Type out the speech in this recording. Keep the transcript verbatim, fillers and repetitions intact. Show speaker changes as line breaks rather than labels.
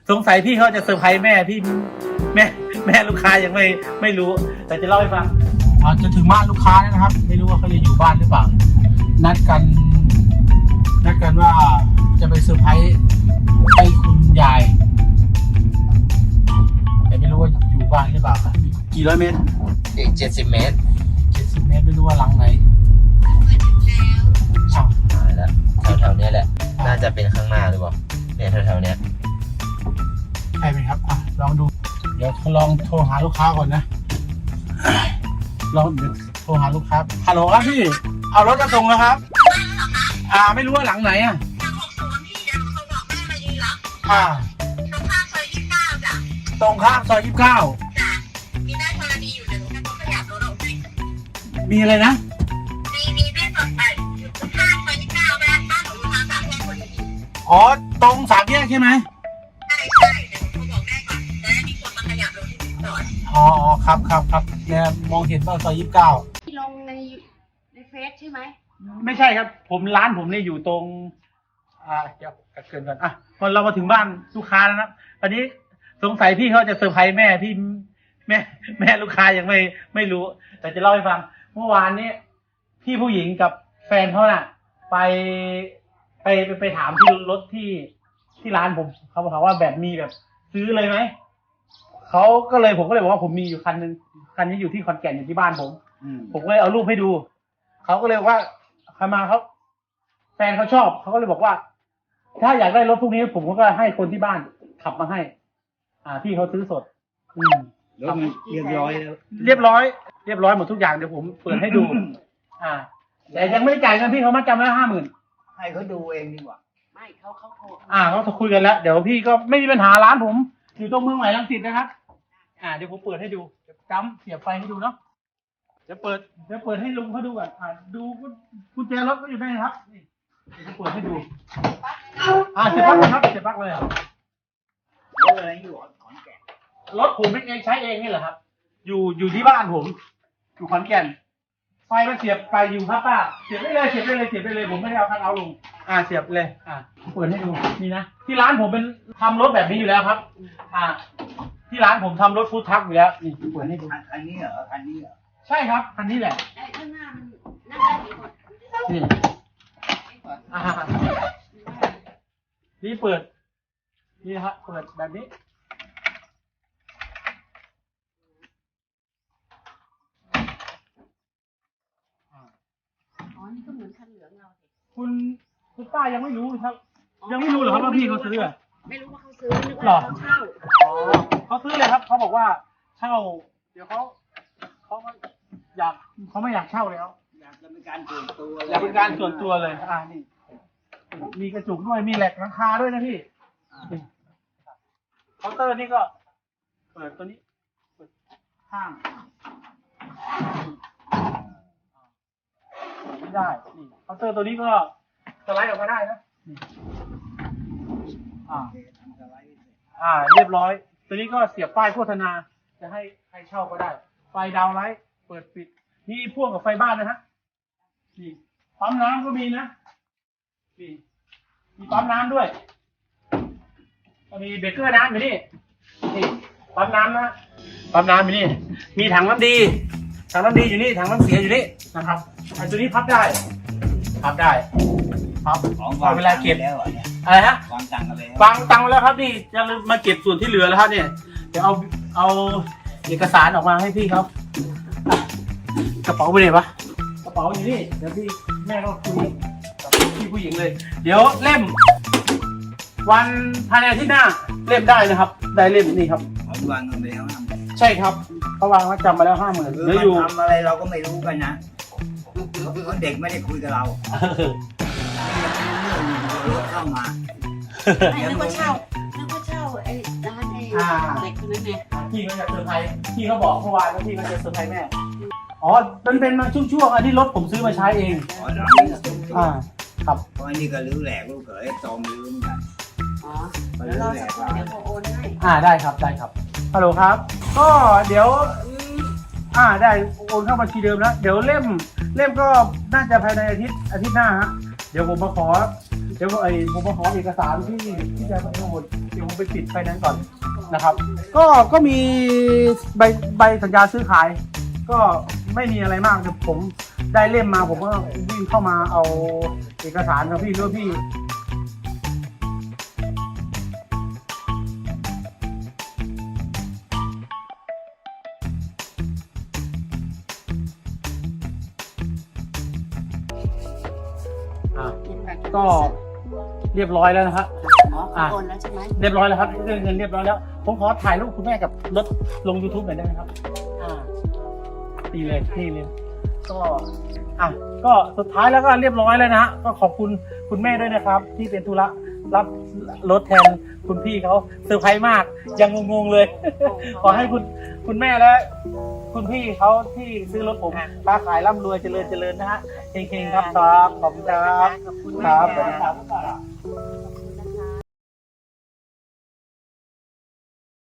สงสัยพี่เขาจะเซอร์ไพรส์แม่พี่แม่แม่ลูกค้ายังไม่ไม่รู้แต่จะเล่าให้ฟังอาจจะถึงบ้านลูกค้าแล้วนะครับไม่รู้ว่าเขาจะอยู่บ้านหรือเปล่านัดกันนัดกันว่าจะไปเซอร์ไพรส์ให้คุณยายแต่ไม่รู้ว่าอยู่บ้านหรือเปล่าครับกี่ร้อยเมตร
อีกเจ็ดสิบเมตร
เจ็ดสิบเมตรไม่รู้ว่าหลังไหน
ช่างมาแล้วแถวๆนี้แหละน่าจะเป็นข้างหน้าหรือเปล่าเนี่ยแถวๆนี้
ใช่ไหมครับอ่ะลองดูเดี๋ยวลองโทรหาลูกค้าก่อนนะลองเดี๋ยวโทรหาลูกค้าฮัลโหลครับพี่เอารถมาส่งแล้วครับอ่าไม่รู้ว่าหลังไหนอ่ะอ่าตรงข้ามซอยยี่สิบเก้ามีได้ธรณีอยู่เดี๋ยวต้องขยับรถออกไปมีอะไรนะมีมีได้สดไปอยู่ตรงข้ามซอยยี่สิบเก้าแม่บ้านของลูกค้าสามแยกคนนี้อ๋อตรงสามแยกใช่ไหมใช่ใช่เดี๋ยวผมบอกแม่ก่อนจะได้มีคนมาขยับรถที่จอดอ๋อครับครับครับเนี่ยมองเห็นว่าซอยยี่สิบเก้า
ที่ลงในในเฟซใช่ไหม
ไม่ใช่ครับผมร้านผมเนี่ยอยู่ตรงอ่าเดี๋ยวกัดเกินก่อนอ่ะพอเรามาถึงบ้านลูกค้าแล้วนะตอนนี้สงสัยพี่เขาจะเซอร์ไพรส์แม่พี่แม่แม่ลูกค้ายังไม่ไม่รู้แต่จะเล่าให้ฟังเมื่อวานนี้พี่ผู้หญิงกับแฟนเขาน่ะไปไปไปไปถามที่รถที่ที่ร้านผมเขาบอกว่าแบบมีแบบซื้อเลยไหมเขาก็เลยผมก็เลยบอกว่าผมมีอยู่คันนึงคันนี้อยู่ที่ขอนแก่นอยู่ที่บ้านผมผมก็เลยเอารูปให้ดูเขาก็เลยว่าใครมาเขาแฟนเขาชอบเขาก็เลยบอกว่าถ้าอยากได้รถพวกนี้ผมก็ให้คนที่บ้านขับมาให้อ่าพี่เขาซื้อสดอืม
รถเรียบร้อยแล้ว
เรียบร้อยเรียบร้อยหมดทุกอย่างเดี๋ยวผมเปิดให้ดูอ่าแต่ยังไม่ได้จ่ายเงินพี่เขามาจำแล้วห้าหมื่น
ให้เขาดูเองดีกว่า
ไม่เขาเขาโทร
อ่าเขาคุยกันแล้วเดี๋ยวพี่ก็ไม่มีปัญหาร้านผมอยู่ตรงเมืองใหม่รังสิตนะครับอ่าเดี๋ยวผมเปิดให้ดูจำเสียบไฟให้ดูเนาะเดี๋ยวเปิดเดี๋ยวเปิดให้ลุงเขาดูก่อนอ่าดูกุญแจรถก็อยู่ได้ครับนี่เดี๋ยวเปิดให้ดูอ่าเสียบปลั๊กเลยครับเสียบปลั๊กเลย
รถอะไรอยู่ขอนแก่น
รถผมเองใช้เองนี่แหละครับอยู่อยู่ที่บ้านผมอยู่ขอนแก่นไฟมันเสียบไปอยู่ครับป้าเสียบได้เลยเสียบได้เลยเสียบได้เลยผมไม่ได้เอาคันเอาลงอ่าเสียบเลยอ่าเปิดให้ดูนี่นะที่ร้านผมเป็นทำรถแบบนี้อยู่แล้วครับอ่าที่ร้านผมทำรถฟู้ดทรัคอยู่แล้วนี่เปิดให้ดู
คันนี้เหรอคันนี้เหรอ
ใช่ครับคันนี้แหละ
ไอ้ข้างหน้ามันนั่งได้กี่คน
นี่อ่านี่เปิดนี่ครับเปิดแบบนี้
อ๋อนี่ก็เหมือนคันเหลืองเราสิ
คุณคุณป้ายังไม่รู้ครับยังไม่รู้เหรอครับว่าพี่เขาซื้อ
ไม่รู้ว่าเขาซื้อนึกว่าเขาเช่า
อ๋อเขาซื้อเลยครับเขาบอกว่าเช่าเดี๋ยวเขาเขาอยากเขาไม่อยากเช่าแล้ว
อยากจะเป็นการส่วนตัว
อยากเป็นการส่วนตัวเลยอ่านี่มีกระจุกด้วยมีแหลกหลังคาด้วยนะพี่เคาน์เตอร์นี่ก็เปิดตัวนี้เปิดข้างไม่ได้นี่เคาน์เตอร์ตัวนี้ก็สไลด์ออกมาได้นะนี่อ่าอ่าเรียบร้อยตัวนี้ก็เสียบป้ายโฆษณาจะให้ใครเช่าก็ได้ไฟดาวไลท์เปิดปิดนี่พ่วงกับไฟบ้านนะฮะนี่ปั๊มน้ำก็มีนะนี่มีปั๊มน้ำด้วยมีเบเกอร์น้ำอยู่นี่นี่ปั๊มน้ำนะปั๊มน้ำอยู่นี่มีถังน้ำดีถังน้ำดีอยู่นี่ถังน้ำเสียอยู่นี่นะครับไอ้ตัวนี้พับได้พับได้พับของเวลาเก็บ
แล้วเนี่ย
อะไรฮะ
วางตังค์อะไร
วางตังค์แล้วครับนี่จะมาเก็บส่วนที่เหลือแล้วครับเนี่ยเดี๋ยวเอาเอาเอกสารออกมาให้พี่ครับกระเป๋าไปไหนวะกระเป๋าอยู่นี่เดี๋ยวพี่แม่ก็คุยกับพี่ผู้หญิงเลยเดี๋ยวเล่มวันภายในอาทิตย์หน้าเล่มได้นะครับได้เล่มนี่ครับ
เขาวางเงินไปแล้ว
ใช่ครับเขาวางมาจำมาแล้วห้าหมื่น
เหลืออยู่ทำอะไรเราก็ไม่รู้กันนะเพราะเด็กไม่ได้คุยกับเรารถเข้ามา
ไม่นึกว่าเช่านึกว่าเช่าไอ้ร้านไอ้เด็กคนนั้นไง
พี่เขาจะเซอร์ไพรส์พี่เขาบอกเมื่อวานว่าพี่เขาจะเซอร์ไพรส์แม่อ๋อมันเป็นมาช่วงๆอันนี้รถผมซื้อมาใช้เอง
อ๋อร้านนี้ก็ซื้อ
อ่าครับ
เพราะอันนี้ก็รื้อแหลกลูกเขยจอมรื้อเหมือนกัน
อ๋อแล้วเราจะเดี๋ยวโอนให้
อ่าได้ครับได้ครับฮัลโหลครับก็เดี๋ยวอ่าได้โอนเข้าบัญชีเดิมแล้วเดี๋ยวเล่มเล่มก็น่าจะภายในอาทิตย์อาทิตย์หน้าฮะเดี๋ยวผมมาขอเดี๋ยวไอ้ผมมาขอเอกสารที่ที่จะไปโอนเดี๋ยวผมไปปิดไฟแนนซ์ก่อนนะครับ ก็ก็มีใบใบสัญญาซื้อขาย ก็ไม่มีอะไรมากแต่ผมได้เล่มมาผมก็วิ่งเข้ามาเอาเอกสารกับพี่ด้วยพี่อ่ะก็เรียบร้อยแล้วนะครับ
อ๋อเขาโอนแล้วใช่ไหม
เรียบร้อยแล้วครับเรื่องเงินเรียบร้อยแล้วผมขอถ่ายรูปคุณแม่กับรถลง YouTube หน่อยได้ไหมครับอ่าดีเลยนี่เลยก็อ่ะก็สุดท้ายแล้วก็เรียบร้อยแล้วนะฮะก็ขอบคุณคุณแม่ด้วยนะครับ ที่เป็นธุระรับรถแทนคุณพี่เขาเซอร์ไพรส์มากยังงงๆเลย ขอให้คุณคุณแม่และคุณพี่เขาที่ซื้อรถผมค้าขายร่ำรวยเจริญเจริญนะฮะเฮงๆครับครับขอบคุณครับ
ขอบคุณ
ค
มาก
รับสวัสดี
ค่ะ
ครับ